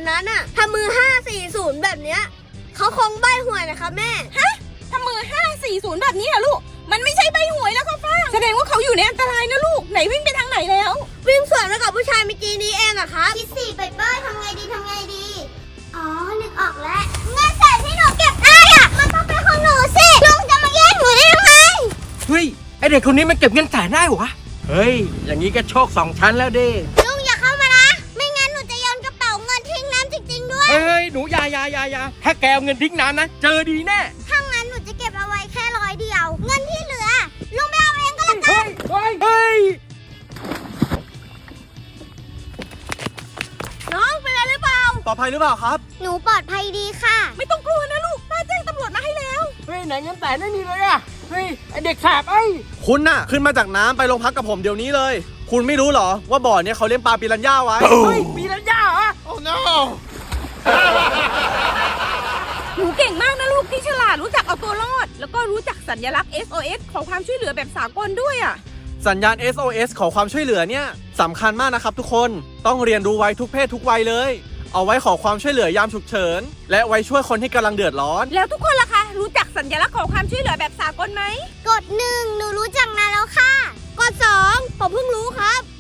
คนนั้นอะทำมือ540แบบเนี้ยเขาคงใบหวยนะคะแม่ทำมือ540แบบนี้เหรอลูกมันไม่ใช่ใบหวยแล้วค่ะฟ้าแสดงว่าเขาอยู่ในอันตรายนะลูกไหนวิ่งไปทางไหนแล้ววิ่งสวนไปกับผู้ชายเมื่อกี้นี้เองอะครับคิดสิไปเปิ้ลทำไงดีอ๋อนึกออกแล้วเงินแสนที่หนูเก็บได้อะมันต้องเป็นของหนูสิลุงจะมาแย่งหนูได้ยังไงเฮ้ยไอเด็กคนนี้มันเก็บเงินแสนได้เหรอวะเฮ้ยอย่างนี้ก็โชค2 ชั้นแล้วดิลุงอย่าเข้ามานะไม่งั้นหนูจะโยนกระเป๋าเงินทิ้งน้ำจริงๆด้วยเฮ้ยหนูอย่าถ้าแกเอาเงินทิ้งน้ำนะเจอดีแน่ถ้างั้นหนูจะเก็บเอาไว้แค่100เดียว เงินที่เหลือลุงไปเอาเองก็แล้วกันเฮ้ยน้องเป็นอะไรหรือเปล่าปลอดภัยหรือเปล่าครับหนูปลอดภัยดีค่ะไม่ต้องกลัวนะลูกป้าแจ้งตำรวจมาให้แล้วเฮ้ยไหนเงินแสนไม่มีเลยอะเฮ้ยไอเด็กแสบไอ้คุณน่ะขึ้นมาจากน้ำไปโรงพักกับผมเดี๋ยวนี้เลย คุณไม่รู้เหรอว่าบ่อเนี้ยเขาเลี้ยงปลาปิรันย่าไว้เฮ้ยมีรัญญาเหรอโอ้ no หนูเก่งมากนะลูกที่ฉลาดรู้จักเอาตัวรอด แล้วก็รู้จักสัญลักษณ์ SOS ขอความช่วยเหลือแบบสากลด้วยอ่ะสัญญาณ SOS ขอความช่วยเหลือเนี่ยสำคัญมากนะครับทุกคนต้องเรียนรู้ไว้ทุกเพศทุกวัยเลย เอาไว้ขอความช่วยเหลือยามฉุกเฉินและไว้ช่วยคนที่กำลังเดือดร้อนแล้วทุกคนล่ะคะ รู้จักสัญลักษณ์ขอความช่วยเหลือแบบสากลไหมกด1หนูรู้จักนานแล้วค่ะกด2ผมเพิ่งรู้ครับ